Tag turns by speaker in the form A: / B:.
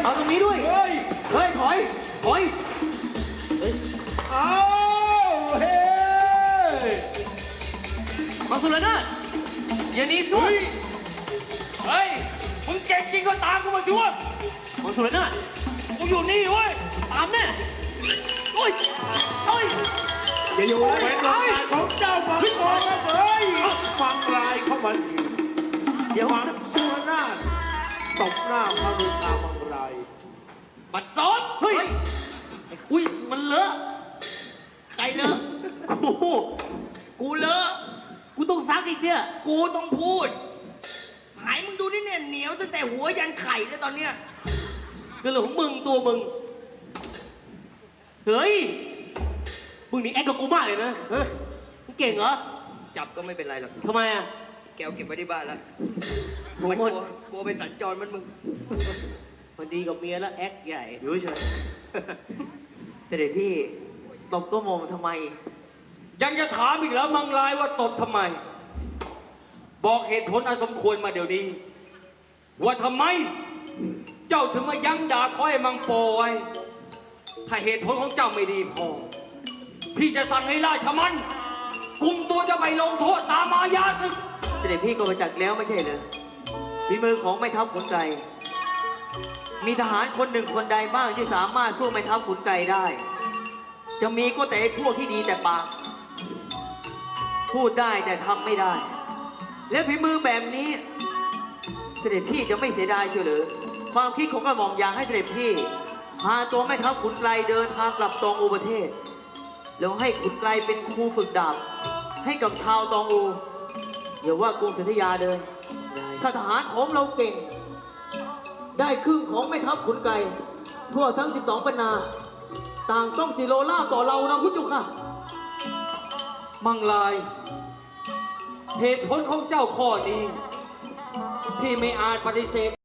A: เอาตรงนี้ด้วย
B: เฮ้ย
A: เฮ้ยถอยถอย
B: เอาเฮ้ย
A: มังสุรนาถอย่าหนีสู้
C: เฮ้ย มึงเก่งจริงก็ตามกูมาช่วย
A: มังสุรนาถ
C: กูอยู่นี่เว้ย
A: ตามแน่โอ้ยโอ้ย
B: อย่าอยู่เลยเป็นโอกาสของเจ้ามังกรนะเฮ้ยฟังลายเข้ามาอีก
A: เดี๋ยว
B: มังสุรนาถตบหน้าพระฤามังราย
A: บัดซอสเฮ้ยอุ้ยมันเลอะใครเลอะกูเลอะกูต้องซักอีกเนี่ยกูต้องพูดหายมึงดูนี่เนี่ยเหนียวตั้งแต่หัวยันไข่แล้วตอนเนี้ยก็เรื่องของมึงตัวมึงเฮ้ยมึงนี่แอคกับกูมากเลยนะเฮ้ยมึงเก่งเหรอ
D: จับก็ไม่เป็นไรหรอก
A: ทำไมอ่ะ
D: แกวเก็บไว้ที่บ้านแล้ว
A: โอ้
D: มัน
A: โห
D: กลัวเป็นสัญจรมันมึง
A: พอดีกับเมียแล้วแอคใหญ่
E: อยู่เฉยแต่เด็กพี่ตบก็มองทำไม
C: ยังจะถามอีกแล้วมังลายว่าตบทำไม บอกเหตุผลอันสมควรมาเดี๋ยวนี้ ว่าทำไม เจ้าถึงมายั้งด่าคอยมังโปไว้ถ้าเหตุผลของเจ้าไม่ดีพอ พี่จะสั่งให้ราชมันกุมตัวจะไปลงโทษตามอาญาศึก
E: เสด็จพี่ก็มาจักแล้วไม่ใช่เหรอฝีมือของแม่ทัพขุนไกรมีทหารคนหนึ่งคนใดบ้างที่สามารถสู้แม่ทัพขุนไกรได้ จะมีก็แต่พวกที่ดีแต่ปาก พูดได้แต่ทำไม่ได้ และฝีมือแบบนี้ เสด็จพี่จะไม่เสียดายเชียวหรือความคิดของกระหม่อมอยากให้เสด็จพี่พาตัวแม่ทัพขุนไกรเดินทางกลับตองอูประเทศ แล้วให้ขุนไกรเป็นครูฝึกดาบให้กับชาวตองอูอย่าว่ากรุงศรีอยุธยาเลยถ้าทหารของเราเก่ง ได้ครึ่งของแม่ทัพขุนไกรทั่วทั้ง 12 ปันนา ต่างต้องสิโลล่าต่อเรานะพุทธเจ้าค่ะ
C: มังลาย เหตุผลของเจ้าข้อนี้ ที่ไม่อาจปฏิเสธ